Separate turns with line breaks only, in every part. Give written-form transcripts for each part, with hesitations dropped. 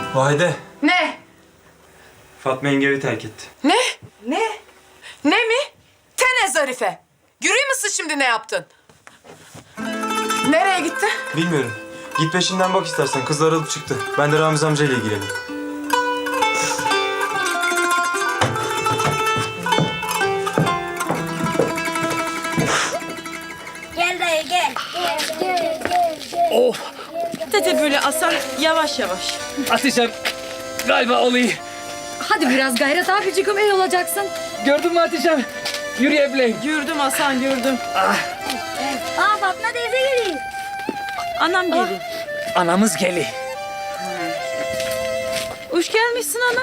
Vahide,
Ne?
Fatma yenge evi terk etti.
Ne? Ne? Ne mi? Tene Zarife. Görüyor musun şimdi ne yaptın? Nereye gitti?
Bilmiyorum. Git peşinden bak istersen. Kızlar alıp çıktı. Ben de Ramiz amcayla ilgileneyim.
Gel dayı gel.
Dede böyle Hasan yavaş yavaş.
Hatice'm galiba oluyor.
Hadi biraz gayret abicim iyi olacaksın.
Gördün mü Hatice'm? Yürüyebileyim.
Gördüm Hasan gördüm.
Aa Fatma teyze geliyor.
Anam geliyor.
Anamız geli.
Hoş gelmişsin ana.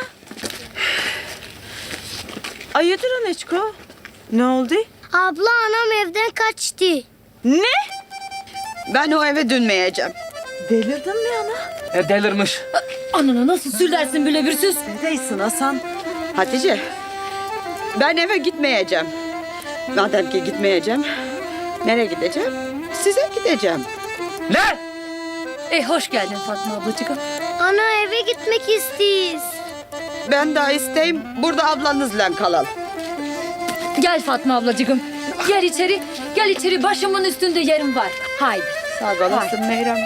Hayırdır Aneçko? Ne oldu?
Abla anam evden kaçtı.
Ne?
Ben o eve dönmeyeceğim.
Delirdin mi ana?
Delirmiş.
Anana nasıl sürdersin böyle bir söz?
Neredesin Hasan?
Hatice, ben eve gitmeyeceğim. Madem ki gitmeyeceğim, nereye gideceğim? Size gideceğim.
Ne?
Hoş geldin Fatma ablacığım. Ana eve gitmek istiyiz.
Ben daha isteyim, burada ablanızla kalalım.
Gel Fatma ablacığım. Gel içeri. Gel içeri. Başımın üstünde yerim var. Haydi.
Sağ olasın Meyrem.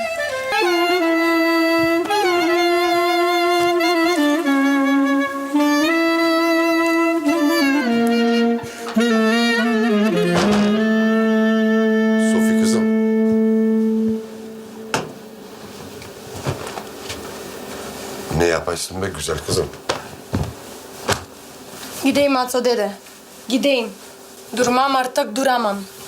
Sofi kızım. Ne yaparsın be güzel kızım?
Gideyim Atso dede. Gideyim. Durmam artık duramam.